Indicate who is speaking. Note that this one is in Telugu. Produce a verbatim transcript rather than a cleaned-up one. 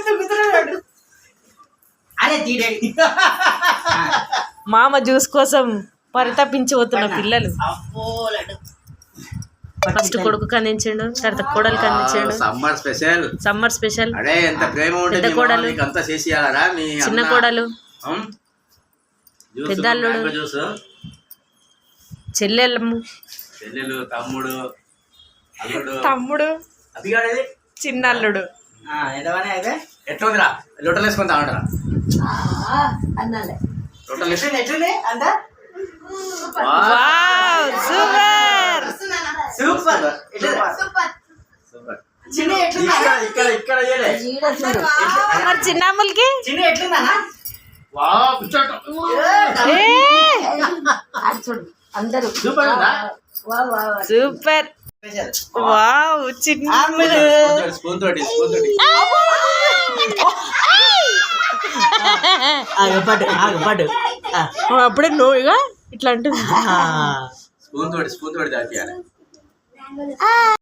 Speaker 1: మామ జ్యూస్ కోసం పరితపించిపోతున్న పిల్లలు. ఫస్ట్ కొడుకు అందించాడు, తర్వాత కోడలికి అందించాడు.
Speaker 2: Summer special
Speaker 1: summer special.
Speaker 2: అడే ఎంత ప్రేమ ఉంటే
Speaker 1: పెద్ద కోడలు,
Speaker 2: అంతా చేసియాలరా మీ
Speaker 1: చిన్న కోడలు, పెద్దల్లుడు, చెల్లెళ్ళము,
Speaker 2: చెల్లెలు, తమ్ముడు, అల్లుడు,
Speaker 1: తమ్ముడు,
Speaker 2: అదిగాడేది
Speaker 1: చిన్న అల్లుడు.
Speaker 2: ఎట్లా ఉందిరా? లొట్టలు వేసుకొని తాగంటారా? లొట్టలు వేసుకుని ఎట్లుంది అంతా?
Speaker 1: Super
Speaker 2: super super. ఇక్కడ ఇక్కడ
Speaker 1: మరి చిన్నమ్మలకి
Speaker 2: చిన్న ఎట్లుందన్నా? వావ్ కూర్చోటం
Speaker 3: అందరూ
Speaker 2: సూపర్ ఉందా?
Speaker 1: సూపర్. వావ్ చిన్న
Speaker 2: స్పూన్ తోటి స్పూన్ తోటి
Speaker 1: అప్పుడే నోయిగా ఇట్లా అంటుంది.
Speaker 2: స్పూన్ తోటి స్పూన్ తోటి దాచేయాలి.